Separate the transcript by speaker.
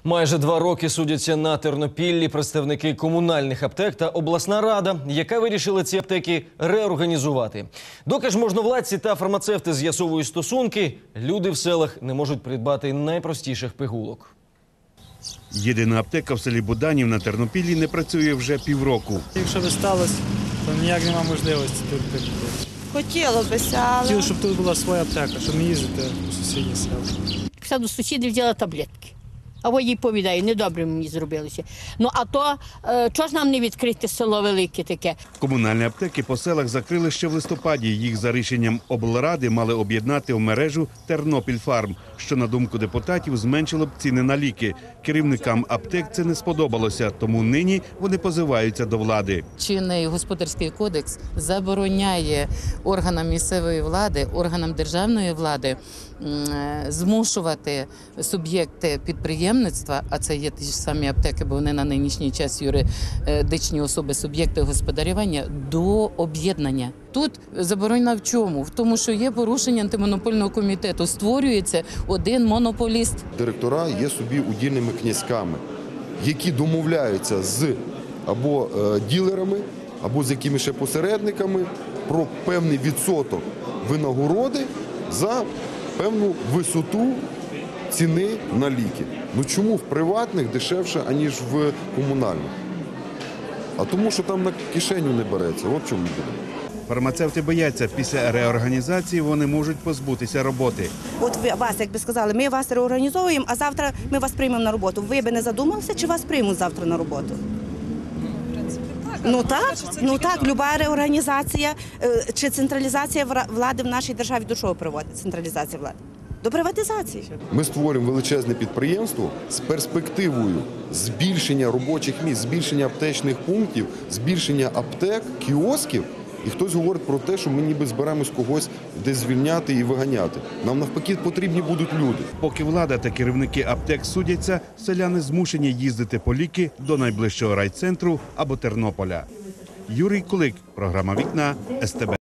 Speaker 1: Майже 2 роки судяться на Тернопіллі представники комунальних аптек та обласна рада, яка вирішила ці аптеки реорганізувати. Доки ж можновладці та фармацевти з'ясовують стосунки, люди в селах не можуть придбати найпростіших пігулок.
Speaker 2: Єдина аптека в селі Буданів на Тернопіллі не працює вже півроку.
Speaker 3: Якщо би сталося, то ніяк немає можливості тут прийти.
Speaker 4: Хотілося, але...
Speaker 3: Хотіли, щоб тут була своя аптека, щоб не їздити у сусідні села.
Speaker 5: Пішла до сусідів, взяла таблетки. А во їй повідаю, недобре мені зробилося. Ну а то, чого ж нам не відкрити село велике таке?
Speaker 2: Комунальні аптеки по селах закрили ще в листопаді. Їх за рішенням облради мали об'єднати в мережу «Тернопільфарм», що, на думку депутатів, зменшило б ціни на ліки. Керівникам аптек це не сподобалося, тому нині вони позиваються до влади.
Speaker 6: Чинний господарський кодекс забороняє органам місцевої влади, органам державної влади змушувати суб'єкти підприємництва, а це є ті ж самі аптеки, бо вони на нинішній час юридичні особи, суб'єкти господарювання, до об'єднання. Тут заборона в чому? В тому, що є порушення антимонопольного комітету, створюється один монополіст.
Speaker 7: Директора є собі удільними князьками, які домовляються з або ділерами, або з якимись ще посередниками про певний відсоток винагороди за певну висоту ціни на ліки. Ну чому в приватних дешевше, аніж в комунальних? А тому, що там на кишеню не береться. От чому буде.
Speaker 2: Фармацевти бояться, після реорганізації вони можуть позбутися роботи.
Speaker 4: От вас, якби сказали, ми вас реорганізовуємо, а завтра ми вас приймемо на роботу. Ви би не задумалися, чи вас приймуть завтра на роботу? Ну так, люба реорганізація чи централізація влади в нашій державі до чого приводить централізація влади? До приватизації.
Speaker 7: Ми створюємо величезне підприємство з перспективою збільшення робочих місць, збільшення аптечних пунктів, збільшення аптек, кіосків. І хтось говорить про те, що ми ніби зберемось когось десь звільняти і виганяти. Нам навпаки потрібні будуть люди.
Speaker 2: Поки влада та керівники аптек судяться, селяни змушені їздити по ліки до найближчого райцентру або Тернополя. Юрій Кулик, програма «Вікна», СТБ.